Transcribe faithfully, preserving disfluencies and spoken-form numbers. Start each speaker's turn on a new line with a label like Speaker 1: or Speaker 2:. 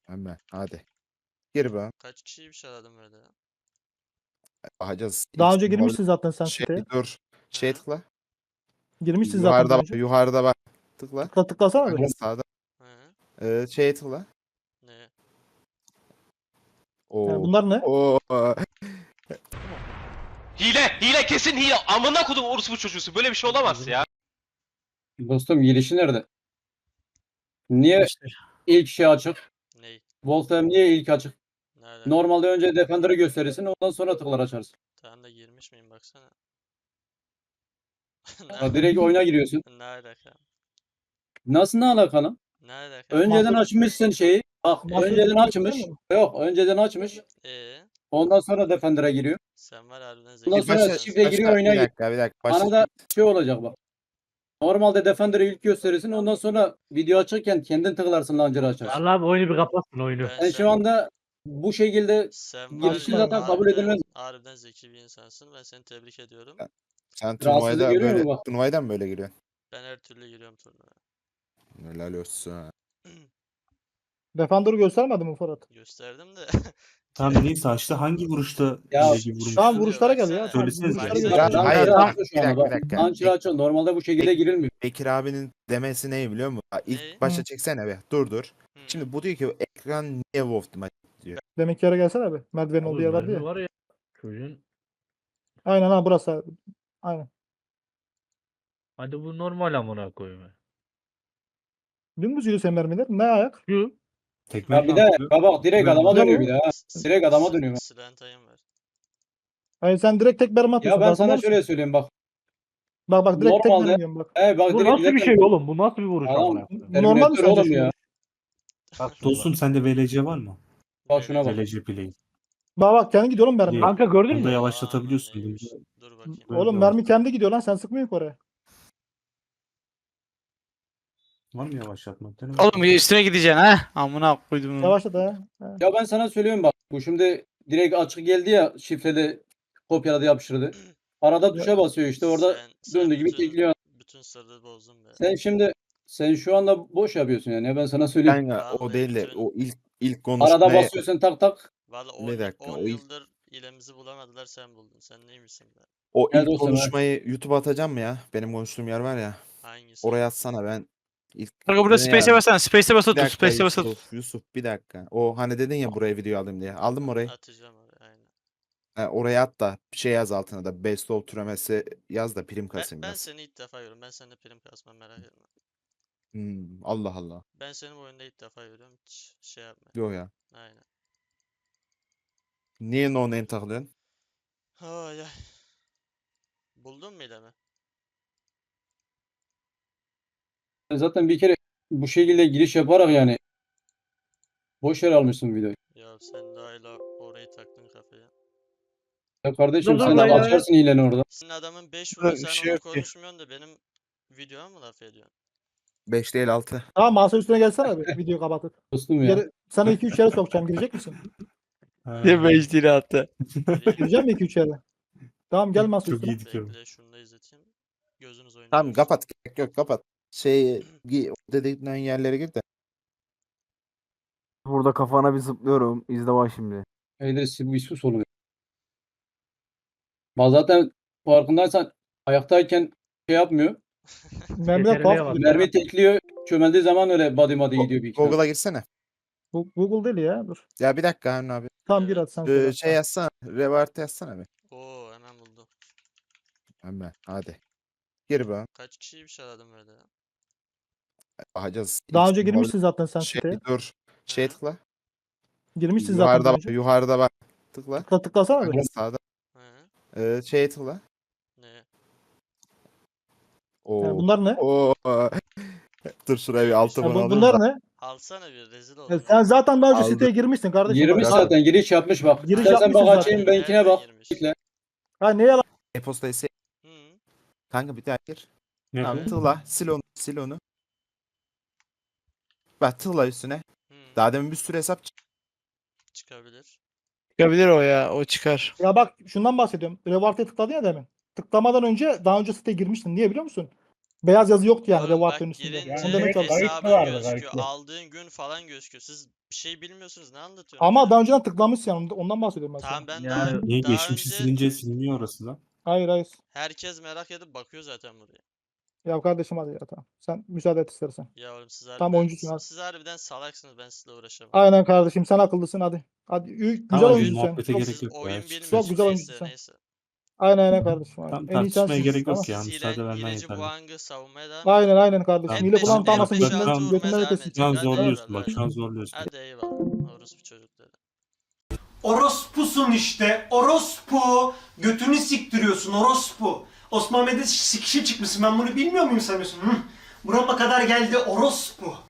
Speaker 1: Hemen hadi. Gir be.
Speaker 2: Kaç kişiymiş aradım böyle ya?
Speaker 1: Bakacağız.
Speaker 3: Daha
Speaker 1: İlk
Speaker 3: önce
Speaker 1: simbol-
Speaker 3: girmişsin zaten sen
Speaker 1: Şey
Speaker 3: siteye.
Speaker 1: dur. Şey
Speaker 2: Hı.
Speaker 1: tıkla.
Speaker 3: Girmişsin zaten
Speaker 1: Yukarıda
Speaker 3: daha
Speaker 1: bak.
Speaker 3: önce.
Speaker 1: Yukarıda bak. Tıkla.
Speaker 3: Tıkla tıklasana
Speaker 1: Kanka
Speaker 3: bir.
Speaker 1: sağda.
Speaker 2: Hı.
Speaker 1: Ee, şeye tıkla.
Speaker 2: Ne?
Speaker 1: Oo.
Speaker 3: Yani bunlar ne?
Speaker 1: Oo.
Speaker 4: Hile, hile kesin hile. Amına kodum orospu çocuğusu. Böyle bir şey olamaz ya.
Speaker 5: Dostum girişi nerede? Niye ilk şey açık?
Speaker 2: Ney?
Speaker 5: Wolfram niye ilk açık?
Speaker 2: Nerede?
Speaker 5: Normalde önce Defender'ı gösterirsin ondan sonra tıklar açarsın.
Speaker 2: Tamam da girmiş miyim baksana.
Speaker 5: Ha, direkt oyuna giriyorsun.
Speaker 2: Ne alaka?
Speaker 5: Nasıl ne alakalı?
Speaker 2: Ne alaka?
Speaker 5: Önceden
Speaker 3: Masa-
Speaker 5: açmışsın şeyi. Bak
Speaker 3: Masa
Speaker 5: önceden
Speaker 3: üstünde
Speaker 5: açmış.
Speaker 3: gösteriyor mu?
Speaker 5: Yok önceden açmış.
Speaker 2: Ee,
Speaker 5: Ondan sonra Defender'a giriyor.
Speaker 2: sen var harbiden zeki.
Speaker 5: Ondan
Speaker 1: Bir
Speaker 5: sonra
Speaker 1: başla,
Speaker 5: şifre
Speaker 1: başla,
Speaker 5: giriyor, oyuna
Speaker 1: bir
Speaker 5: giriyor.
Speaker 1: dakika bir dakika. Başla.
Speaker 5: Bana da şey olacak bak. Normalde Defender'ı ilk gösterirsin ondan sonra video açarken kendin tıklarsın launcher'ı açarsın.
Speaker 6: Allah abi oyunu bir kapatsın oyunu.
Speaker 2: Ben
Speaker 5: Sen şu anda bu şekilde
Speaker 2: sen
Speaker 5: girişi
Speaker 2: var ya,
Speaker 5: zaten kabul
Speaker 2: harbiden-
Speaker 5: edilmez.
Speaker 2: Harbiden zeki bir insansın. Ben seni tebrik ediyorum.
Speaker 1: Sen
Speaker 5: Rahatsızlık
Speaker 1: turnuvaya da
Speaker 5: görüyor
Speaker 1: böyle
Speaker 5: musun bak?
Speaker 1: turnuvaydan mı böyle giriyorsun?
Speaker 2: Ben her türlü giriyorum turnuvaya.
Speaker 1: Helal olsun.
Speaker 3: Defender'ı göstermedi mi Fırat?
Speaker 2: Gösterdim de.
Speaker 7: Tamam neyse açtı. Hangi vuruşta
Speaker 5: Ya,
Speaker 7: hileci vurmuş?
Speaker 3: Şu an vuruşlara gel ya.
Speaker 2: Baksana.
Speaker 3: Tamam,
Speaker 7: Söylesenize.
Speaker 3: vuruşlara
Speaker 2: Baksana.
Speaker 3: göster.
Speaker 2: Ya,
Speaker 1: hayır,
Speaker 5: Launcher'ı
Speaker 1: hayır,
Speaker 5: açtı şu
Speaker 1: bir
Speaker 5: anda
Speaker 1: dakika,
Speaker 5: bak.
Speaker 1: bir dakika.
Speaker 5: Launcher'ı açıyor. Normalde bu şekilde girilmiyor.
Speaker 1: Bekir abinin demesi ne biliyor musun? Ha, İlk
Speaker 2: Ne?
Speaker 1: başta
Speaker 3: Hı.
Speaker 1: çeksene be. Dur dur.
Speaker 2: Hı.
Speaker 1: Şimdi bu diyor ki ekran niye Wolf Team diyor.
Speaker 3: Demek ki yere gelsene abi. Merdivenin olduğu yer vardı ya.
Speaker 6: Var ya. Çocuğun.
Speaker 3: Aynen ha burası abi. Aynen.
Speaker 6: Hadi bu normal amına koyayım.
Speaker 3: Dümdüz yürü sen mermiler. Ne ayak?
Speaker 6: Şu.
Speaker 7: Tekme
Speaker 5: Ya bir de bak bak direkt
Speaker 7: Ben-
Speaker 5: adama
Speaker 3: Ne
Speaker 5: dönüyor
Speaker 3: bu?
Speaker 5: bir daha.
Speaker 2: S-
Speaker 5: Direkt adama
Speaker 2: s-
Speaker 5: dönüyor.
Speaker 2: Silentayım var.
Speaker 3: Hayır sen direkt tek mermi
Speaker 5: Ya
Speaker 3: atıyorsun.
Speaker 5: ben
Speaker 3: farkında
Speaker 5: sana
Speaker 3: mısın?
Speaker 5: şöyle söyleyeyim bak.
Speaker 3: Bak bak direkt tek
Speaker 5: Normalde-
Speaker 3: mermi yiyorum bak.
Speaker 5: He bak
Speaker 6: Bu
Speaker 5: direkt
Speaker 6: nasıl bir
Speaker 5: zaten-
Speaker 6: şey oğlum? Bu nasıl bir vuruş
Speaker 5: Adam-
Speaker 6: amına koyayım?
Speaker 3: Normal mi
Speaker 5: Terminator
Speaker 3: sence
Speaker 5: oğlum
Speaker 3: şu
Speaker 5: ya.
Speaker 3: vuruş?
Speaker 6: Bak şuna
Speaker 7: Dostum
Speaker 6: bak.
Speaker 7: sende V L C var mı?
Speaker 5: Bak şuna bak.
Speaker 7: V L C play.
Speaker 3: Bak bak kendi gidiyor oğlum mermi.
Speaker 7: Niye?
Speaker 6: Kanka gördün
Speaker 7: Bunda
Speaker 6: mü?
Speaker 7: yavaşlatabiliyorsun.
Speaker 2: Aman neymiş.
Speaker 7: Bunda-
Speaker 2: Dur bakayım.
Speaker 7: Böyle
Speaker 3: Oğlum
Speaker 7: yavaş-
Speaker 3: mermi kendi gidiyor lan sen sıkmıyorsun ki oraya.
Speaker 7: Var mı yavaşlatma? Dene
Speaker 8: Oğlum
Speaker 7: bakayım.
Speaker 8: üstüne gideceksin ha. Amına koydum.
Speaker 3: Yavaşlat ha. ha.
Speaker 5: Ya ben sana söylüyorum bak. Bu şimdi direkt açık geldi ya şifreli kopyaladı yapıştırdı. Arada tuşa basıyor işte orada
Speaker 2: Sen- sen
Speaker 5: döndüğü gibi
Speaker 2: bütün-
Speaker 5: tekliyor.
Speaker 2: Bütün sırrı bozdun be.
Speaker 5: Sen şimdi sen şu anda boş yapıyorsun yani. Ya ben sana söyleyeyim.
Speaker 1: Kanka o
Speaker 2: Vallahi
Speaker 1: değil de
Speaker 2: bütün-
Speaker 1: o ilk ilk
Speaker 5: Arada
Speaker 1: konuşmaya
Speaker 5: basıyorsun tak tak.
Speaker 2: Valla
Speaker 1: Bir
Speaker 2: on,
Speaker 1: dakika,
Speaker 2: on
Speaker 1: o ilk-
Speaker 2: yıldır ilemizi bulamadılar sen buldun. Sen neymişsin be?
Speaker 1: o
Speaker 5: Evet,
Speaker 1: ilk
Speaker 5: dostum, evet.
Speaker 1: konuşmayı YouTube'a atacağım mı ya? Benim konuştuğum yer var ya.
Speaker 2: Hangisi?
Speaker 1: Oraya atsana ben ilk
Speaker 8: Kanka burada
Speaker 1: Ne
Speaker 8: space'e
Speaker 1: yani?
Speaker 8: basana. Space'e basılı
Speaker 1: bir
Speaker 8: tut.
Speaker 1: dakika
Speaker 8: Space'e basılı tut.
Speaker 1: Yusuf, Yusuf bir dakika. O hani dedin ya buraya video alayım diye. Aldın mı orayı?
Speaker 2: Atacağım oraya aynen.
Speaker 1: Ha, oraya at da bir şey yaz altına da best of türemesi yaz da prim
Speaker 2: Ben,
Speaker 1: kasayım
Speaker 2: ben
Speaker 1: biraz.
Speaker 2: seni ilk defa görüyorum. Ben seninle prim kasmam merak etme.
Speaker 1: Hmm, Allah Allah.
Speaker 2: Ben seni bu oyunda ilk defa görüyorum. Hiç şey yapma.
Speaker 1: Yo ya.
Speaker 2: Aynen.
Speaker 1: Niye no name takılıyorsun?
Speaker 2: Ay ay. Buldun mu ilemi?
Speaker 5: Sen zaten bir kere bu şekilde giriş yaparak yani boş yer almışsın videoyu.
Speaker 2: Ya sen daha hala orayı taktın kafaya.
Speaker 5: Ya kardeşim
Speaker 6: Dur, dur
Speaker 5: sen
Speaker 6: lan
Speaker 5: de
Speaker 6: ya.
Speaker 5: açarsın hileni orada.
Speaker 2: Senin adamın beş
Speaker 8: Burada
Speaker 2: vuruyor
Speaker 8: bir
Speaker 2: sen
Speaker 8: şey
Speaker 2: onu
Speaker 8: yok ki.
Speaker 2: konuşmuyorsun da benim videoma mı laf ediyorsun?
Speaker 1: beş değil altı.
Speaker 3: Tamam masa üstüne gelsene abi. Videoyu kapatıp.
Speaker 5: Dostum ya.
Speaker 3: Geri, sana iki üç yere sokacağım. Girecek misin?
Speaker 7: Ha,
Speaker 8: Ne beş lira attı.
Speaker 2: Gireyim.
Speaker 3: Gireceğim mi iki üç yere? Tamam gel masa
Speaker 7: Çok
Speaker 3: üstüne.
Speaker 7: iyiydik ya.
Speaker 2: Bekle şunu da izleteyim. Gözünüz oynuyor.
Speaker 1: Tamam kapat. Gerek yok kapat. Şey gi- o dediğin yerlere gir de.
Speaker 9: Burada kafana bir zıplıyorum. İzle bak şimdi.
Speaker 5: Eydir bu sus oluyor. Bak zaten farkındaysan ayaktayken şey yapmıyor.
Speaker 3: Mermiler
Speaker 6: Yeterliğe
Speaker 3: tuhaf
Speaker 6: bak.
Speaker 3: gidiyor.
Speaker 5: Mermi tekliyor. Çömeldiği zaman öyle body body gidiyor bir iki tane.
Speaker 1: Google'a girsene.
Speaker 3: Bu- Google değil ya. Dur.
Speaker 1: Ya bir dakika Harun abi.
Speaker 3: Tamam gir hadi sen
Speaker 1: Ee,
Speaker 3: söyle.
Speaker 1: şey yazsana. Revert yazsana bir.
Speaker 2: Oo hemen buldum.
Speaker 1: Hemen hadi. Gir be.
Speaker 2: Kaç kişiymiş aradım böyle ya?
Speaker 1: Bakacağız.
Speaker 3: Daha
Speaker 1: İlk
Speaker 3: önce
Speaker 1: simbol-
Speaker 3: girmişsin zaten sen
Speaker 1: Şey
Speaker 3: siteye.
Speaker 1: dur. Şey
Speaker 2: Hı.
Speaker 1: tıkla.
Speaker 3: Girmişsin zaten
Speaker 1: Yukarıda
Speaker 3: daha
Speaker 1: bak.
Speaker 3: önce.
Speaker 1: Yukarıda bak. Tıkla.
Speaker 3: Tıkla tıklasana
Speaker 1: Kanka
Speaker 3: bir.
Speaker 1: sağda.
Speaker 2: Hı?
Speaker 1: Ee, şeye tıkla.
Speaker 2: Ne?
Speaker 1: Oo.
Speaker 3: Yani bunlar ne?
Speaker 1: Oo. Dur şuraya bir altı
Speaker 3: Ya
Speaker 1: bunu
Speaker 3: bu-
Speaker 1: alayım
Speaker 3: bunlar
Speaker 1: da.
Speaker 3: ne?
Speaker 2: Alsana bir rezil
Speaker 3: Ya
Speaker 2: oldum.
Speaker 3: sen zaten daha önce
Speaker 1: Aldım.
Speaker 3: siteye girmişsin kardeşim.
Speaker 5: Girmiş
Speaker 3: bak.
Speaker 5: zaten giriş yapmış bak.
Speaker 3: Giriş
Speaker 5: İstersen
Speaker 3: yapmışsın
Speaker 5: bak
Speaker 3: zaten.
Speaker 5: açayım benimkine bak.
Speaker 2: Girmiş.
Speaker 5: Bekle.
Speaker 3: Ha ne yalan?
Speaker 1: E-postayı sil.
Speaker 2: Hı.
Speaker 1: Kanka bir daha gir.
Speaker 7: Ne
Speaker 1: Tamam
Speaker 7: bu?
Speaker 1: tıkla. Sil onu. Sil onu. Bak tıkla üstüne.
Speaker 2: Hı.
Speaker 1: Daha demin bir sürü hesap çıktı.
Speaker 2: Çıkabilir.
Speaker 8: Çıkabilir o ya. O çıkar.
Speaker 3: Ya bak şundan bahsediyorum. Revart'e tıkladın ya demin. Tıklamadan önce daha önce siteye girmiştin. Niye biliyor musun? Beyaz yazı yoktu yani
Speaker 2: Oğlum
Speaker 3: reward
Speaker 2: bak
Speaker 3: menüsünde.
Speaker 2: girince
Speaker 3: Onu demek
Speaker 6: kayıt
Speaker 3: lazım.
Speaker 6: mı
Speaker 2: hesabın
Speaker 6: vardı,
Speaker 2: gözüküyor.
Speaker 6: kayıtlı?
Speaker 2: Aldığın gün falan gözüküyor. Siz bir şey bilmiyorsunuz. Ne anlatıyorsunuz?
Speaker 3: Ama
Speaker 2: ya?
Speaker 3: daha önceden tıklamışsın yani ondan bahsediyorum ben
Speaker 2: Tamam
Speaker 3: sana.
Speaker 2: ben
Speaker 6: Yani-
Speaker 2: daha,
Speaker 7: Niye
Speaker 2: daha
Speaker 7: geçmişi
Speaker 2: önce
Speaker 7: silince siliniyor orası lan?
Speaker 3: Hayır hayır.
Speaker 2: herkes merak edip bakıyor zaten buraya.
Speaker 3: Ya kardeşim hadi ya tamam. Sen müsaade et istersen.
Speaker 2: Ya oğlum siz
Speaker 3: Tam
Speaker 2: harbiden,
Speaker 3: oyuncusun
Speaker 2: siz,
Speaker 3: hadi.
Speaker 2: siz harbiden salaksınız. Ben sizle uğraşamam.
Speaker 3: Aynen kardeşim sen akıllısın hadi. Hadi ü- güzel
Speaker 7: Tamam,
Speaker 3: oyuncusun sen.
Speaker 7: muhabbete
Speaker 3: Çok,
Speaker 7: gerek
Speaker 2: Siz
Speaker 7: yok ya.
Speaker 2: oyun
Speaker 7: Çık-
Speaker 2: bilmiyorsunuz.
Speaker 3: güzel
Speaker 2: Neyse
Speaker 3: oyuncusun.
Speaker 2: neyse.
Speaker 3: aynen aynen kardeşim. Aynen.
Speaker 7: Tam
Speaker 3: En iyi
Speaker 7: tartışmaya
Speaker 3: sensin.
Speaker 7: gerek yok
Speaker 3: Tamam.
Speaker 7: ya. Müsaade
Speaker 2: Silen,
Speaker 7: vermen
Speaker 2: hileci
Speaker 7: yeterli.
Speaker 2: Wang'ı savunmaya devam
Speaker 3: Aynen
Speaker 2: edin.
Speaker 3: aynen kardeşim.
Speaker 2: En
Speaker 3: Hile
Speaker 2: beşi-
Speaker 3: falan
Speaker 2: en
Speaker 3: kalmasın
Speaker 2: beşi
Speaker 3: götünden,
Speaker 2: altı vurmaya
Speaker 3: götünden
Speaker 2: devam
Speaker 3: ötesi.
Speaker 2: edin.
Speaker 7: Şu an
Speaker 2: Hadi
Speaker 7: zorluyorsun
Speaker 2: eyvallah.
Speaker 7: bak, şu an zorluyorsun.
Speaker 2: Hadi eyvallah. Orospu çocukları.
Speaker 10: Orospusun işte. Orospu. Götünü siktiriyorsun orospu. Osman Bey'de sikişe çıkmışsın. Ben bunu bilmiyor muyum sanıyorsun? Hı? Burama kadar geldi orospu.